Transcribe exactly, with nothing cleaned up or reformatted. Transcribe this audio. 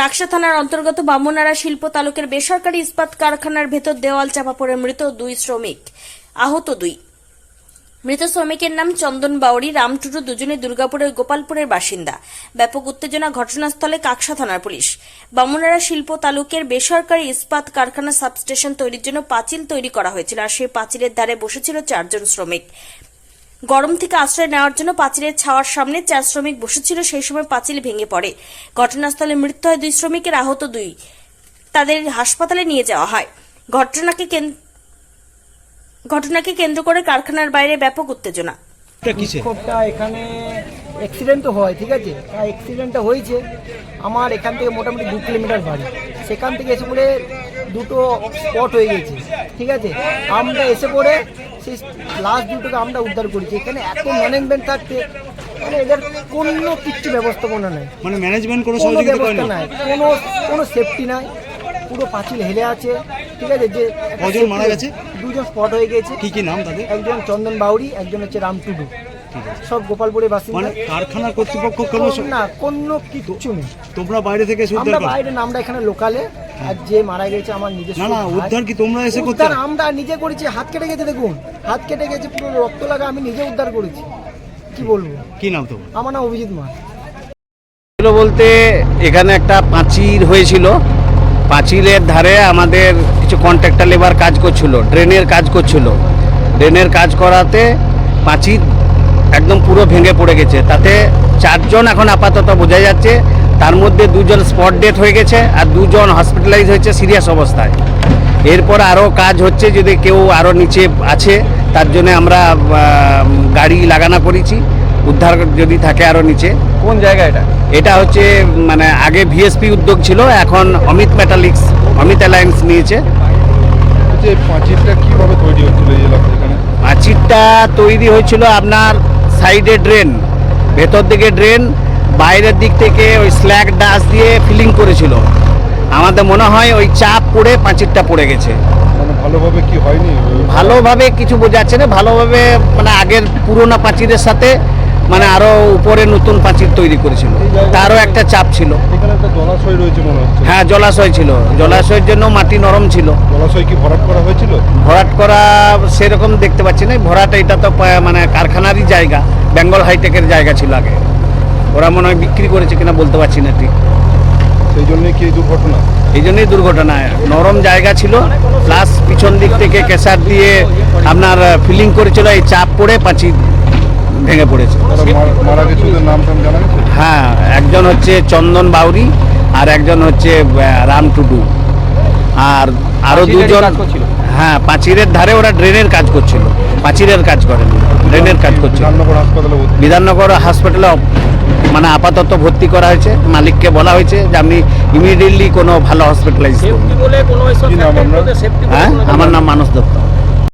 কাকসা থানার অন্তর্গত বামুনারা শিল্প তালুকের বেসরকারি ইস্পাত কারখানার ভেতর দেওয়াল চাপা পড়ে মৃত দুই শ্রমিক, আহত দুই। মৃত শ্রমিকের নাম চন্দন বাউরি, রামটুডু, দুজনে দুর্গাপুরের গোপালপুরের বাসিন্দা। ব্যাপক উত্তেজনা ঘটনাস্থলে কাকসা থানার পুলিশ। বামুনারা শিল্প তালুকের বেসরকারি ইস্পাত কারখানা সাবস্টেশন তৈরির জন্য পাঁচিল তৈরি করা হয়েছিল, আর সেই পাঁচিলের ধারে বসেছিল চারজন শ্রমিক। গরম থেকে আশ্রয় নেওয়ার জন্য পাঁচিলের ছাওয়ার সামনে চার শ্রমিক বসেছিল, সেই সময় পাঁচিল ভেঙে পড়ে। ঘটনাস্থলে মৃত্যু হয় দুই শ্রমিকের, আহত দুই। তাদের হাসপাতালে নিয়ে যাওয়া হয়। ঘটনাকে ঘটনাকে কেন্দ্র করে কারখানার বাইরে ব্যাপক উত্তেজনা। বিক্ষোভটা এখানে অ্যাক্সিডেন্ট তো হয়, ঠিক আছে, অ্যাক্সিডেন্টটা হয়েছে আমার এখান থেকে মোটামুটি দু কিলোমিটার বাড়ি। সেখান থেকে এসে পড়ে দুটো স্পট হয়ে গেছে, ঠিক আছে। আমরা এসে পড়ে সেই লাস্ট দুটোকে আমরা উদ্ধার করেছি। এখানে এত ম্যানেজমেন্ট থাকতে মানে এদের কোনো কিচ্ছু ব্যবস্থাপনা নাই, মানে ম্যানেজমেন্ট কোনো কোনো সহযোগিতা ব্যবস্থা করেনি, নাই, কোনো কোনো সেফটি নাই, পুরো পাঁচিল হেলে আছে, ঠিক আছে। যে কজন মারা গেছে? দুজন স্পট হয়ে গেছে। কি কি নাম তাদের? একজন চন্দন বাউরি, একজন হচ্ছে রামটুডু, সব গোপালপুরের বাসিন্দা। মানে কারখানার কর্তৃপক্ষ কোনো না, কোনো কিচ্ছু নেই। তোমরা বাইরে থেকে এসে উদ্ধার আমরা করো? বাইরে না, আমরা এখানে লোকালে। আর যে মারা গেছে আমার নিজস্ব না না, ভাই। উদ্ধার কি তোমরা এসে করতে? উদ্ধার আমরা নিজে করেছি। হাত কেটে গেছে, দেখুন হাত কেটে গেছে, পুরো রক্ত লাগা, আমি নিজে উদ্ধার করেছি। কি বলবো? কি নাম তোমার? আমার নাম অভিজিৎ মার। বলতে এখানে একটা পাঁচিল হয়েছিল, পাঁচিলের ধারে আমাদের কিছু কন্ট্রাক্টর লেবার কাজ করছিল, ড্রেনের কাজ করছিল। ড্রেনের কাজ করাতে পাঁচিল একদম পুরো ভেঙে পড়ে গেছে। তাতে চারজন এখন আপাতত বোঝা যাচ্ছে, তার মধ্যে দুজন স্পট ডেথ হয়ে গেছে আর দুজন হসপিটালাইজ হয়েছে সিরিয়াস অবস্থায়। এরপর আরও কাজ হচ্ছে, যদি কেউ আরও নিচে আছে তার জন্য আমরা গাড়ি লাগানো করেছি, উদ্ধার যদি থাকে আরও নিচে। কোন জায়গা এটা? এটা হচ্ছে মানে আগে ভিএসপি উদ্যোগ ছিল, এখন অমিত মেটালিক্স, অমিত অ্যালায়েন্স নিয়েছে। যে পাঁচিলটা কিভাবে তৈরি হচ্ছিল এই এলাকায়? এখানে পাঁচিলটা তৈরি হয়েছিল আপনার সাইডে ড্রেন, ভেতর দিকে ড্রেন, বাইরের দিক থেকে ওই স্ল্যাগ ডাস্ট দিয়ে ফিলিং করেছিল। আমাদের মনে হয় ওই চাপ পড়ে পাঁচিলটা পড়ে গেছে। মানে ভালোভাবে কি হয়নি? ভালোভাবে কিছু বোঝাচ্ছে না, ভালোভাবে মানে আগের পুরোনো পাঁচিলের সাথে মানে আরো উপরে নতুন পাঁচিল তৈরি করেছিল, তারও একটা চাপ ছিল। এখানে একটা জলাশয় রয়েছে মনে হচ্ছে। হ্যাঁ, জলাশয় ছিল, জলাশয়ের জন্য মাটি নরম ছিল। জলাশয় কি ভরাট করা হয়েছিল? ভরাট করা সেরকম দেখতে পাচ্ছি না। ভরাট এটা তো মানে কারখানারই জায়গা, বেঙ্গল হাইটেকের জায়গা ছিল আগে, ওরা মনে হয় বিক্রি করেছে কিনা বলতে পারছি না ঠিক। সেই জন্যই কি এই দুর্ঘটনা? এই জন্যই দুর্ঘটনা। নরম জায়গা ছিল, প্লাস পিছন দিক থেকে কেসার দিয়ে আপনার ফিলিং করেছিল, এই চাপ পড়ে পাঁচিল ভেঙে পড়েছে। মারা গেছে ওদের নাম টাম জানা গেছে? হ্যাঁ, একজন হচ্ছে চন্দন বাউরি আর একজন হচ্ছে রাম টুডু, আর আরো দুজন। হ্যাঁ, পাঁচিলের ধারে ওরা ড্রেনের কাজ করছিল, পাঁচিলের কাজ করেন, ড্রেনের কাজ করছিল। বিধাননগর হাসপাতালে বিধাননগর হাসপাতালে মানে আপাতত ভর্তি করা হয়েছে। মালিককে বলা হয়েছে যে আপনি ইমিডিয়েটলি কোনো ভালো হসপিটালাইজ করুন। কি নাম আপনার? হ্যাঁ, আমার নাম মানস দত্ত।